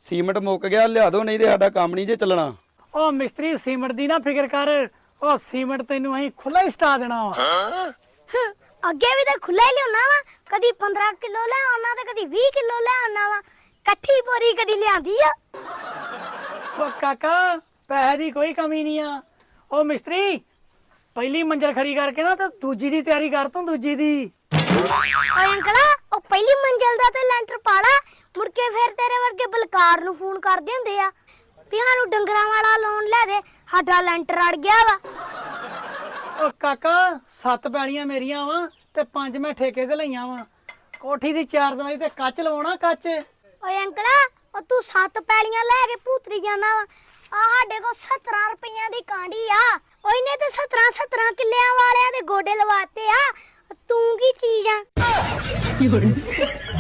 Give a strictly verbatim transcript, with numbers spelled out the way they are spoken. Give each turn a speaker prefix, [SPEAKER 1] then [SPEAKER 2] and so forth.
[SPEAKER 1] Cement ਮੁੱਕ ਗਿਆ, ਲਿਆ ਦੋ ਨਹੀਂ ਤੇ ਸਾਡਾ ਕੰਮ ਨਹੀਂ ਜੇ ਚੱਲਣਾ।
[SPEAKER 2] ਉਹ ਮਿਸਤਰੀ ਸੀਮੈਂਟ ਦੀ ਨਾ ਫਿਕਰ ਕਰ, ਉਹ ਸੀਮੈਂਟ ਤੈਨੂੰ ਅਸੀਂ ਖੁੱਲਾ ਹੀ ਸਟਾ ਦੇਣਾ ਵਾ।
[SPEAKER 3] ਹੰ, ਅੱਗੇ ਵੀ ਤਾਂ ਖੁੱਲਾ ਹੀ ਲਿਆਉਣਾ ਵਾ, ਕਦੀ ਪੰਦਰਾਂ ਕਿਲੋ ਲੈ ਆਉਣਾ ਤੇ ਕਦੀ ਵੀਹ ਕਿਲੋ ਲੈ ਆਉਣਾ ਵਾ, ਇਕੱਠੀ ਬੋਰੀ ਕਦੀ ਲਿਆਂਦੀ ਆ।
[SPEAKER 2] ਉਹ ਕਾਕਾ ਪੈਸੇ ਦੀ ਕੋਈ ਕਮੀ ਨਹੀਂ ਆ। ਉਹ ਮਿਸਤਰੀ ਪਹਿਲੀ ਮੰਜ਼ਲ ਖੜੀ ਕਰਕੇ ਨਾ ਤੇ ਦੂਜੀ ਦੀ ਤਿਆਰੀ ਕਰ ਤੂੰ, ਦੂਜੀ ਦੀ।
[SPEAKER 3] ਓਏ ਅੰਕਲਾ, ਉਹ ਪਹਿਲੀ ਮੰਜ਼ਲ ਦਾ ਤੇ ਲੈਂਟਰ ਪਾ ਲਾ, ਮੁੜ ਕੇ ਫਿਰ ਤੇਰੇ ਵਰਗੇ ਬਲਕਾਰ ਨੂੰ ਫੋਨ ਕਰਦੇ ਹੁੰਦੇ ਆ ਵੀ ਸਾਨੂੰ ਡੰਗਰਾਂ ਵਾਲਾ ਲੋਨ ਲੈ ਦੇ, ਸਾਡਾ ਲੈਂਟਰ ਅੜ ਗਿਆ ਵਾ।
[SPEAKER 2] ਉਹ ਕਾਕਾ ਸੱਤ ਪੈਲੀਆਂ ਮੇਰੀਆਂ ਵਾ ਤੇ ਪੰਜ ਮੈਂ ਠੇਕੇ ਤੇ ਲਈਆਂ ਵਾ। ਕੋਠੀ ਦੀ ਚਾਰ ਦਿਵਾਰੀ ਤੇ ਕੱਚ ਲਵਾਉਣਾ, ਕੱਚ।
[SPEAKER 3] ਓਏ ਅੰਕਲਾ, ਉਹ ਤੂੰ ਸੱਤ ਪੈਲੀਆਂ ਲੈ ਕੇ ਭੂਤਰੀ ਜਾਣਾ ਵਾ, ਆ ਸਾਡੇ ਕੋਲ ਸੱਤਰਾਂ ਰੁਪਈਆਂ ਦੀ ਕਾਂਡੀ ਆ। ਓਏ ਨੇ ਤੇ ਸੱਤਰਾਂ ਸੱਤਰਾਂ ਕਿੱਲਿਆਂ ਵਾਲਿਆਂ ਦੇ ਗੋਡੇ ਲਵਾਤੇ ਆ, ਤੂੰ ਕੀ ਚੀਜ਼ ਆ।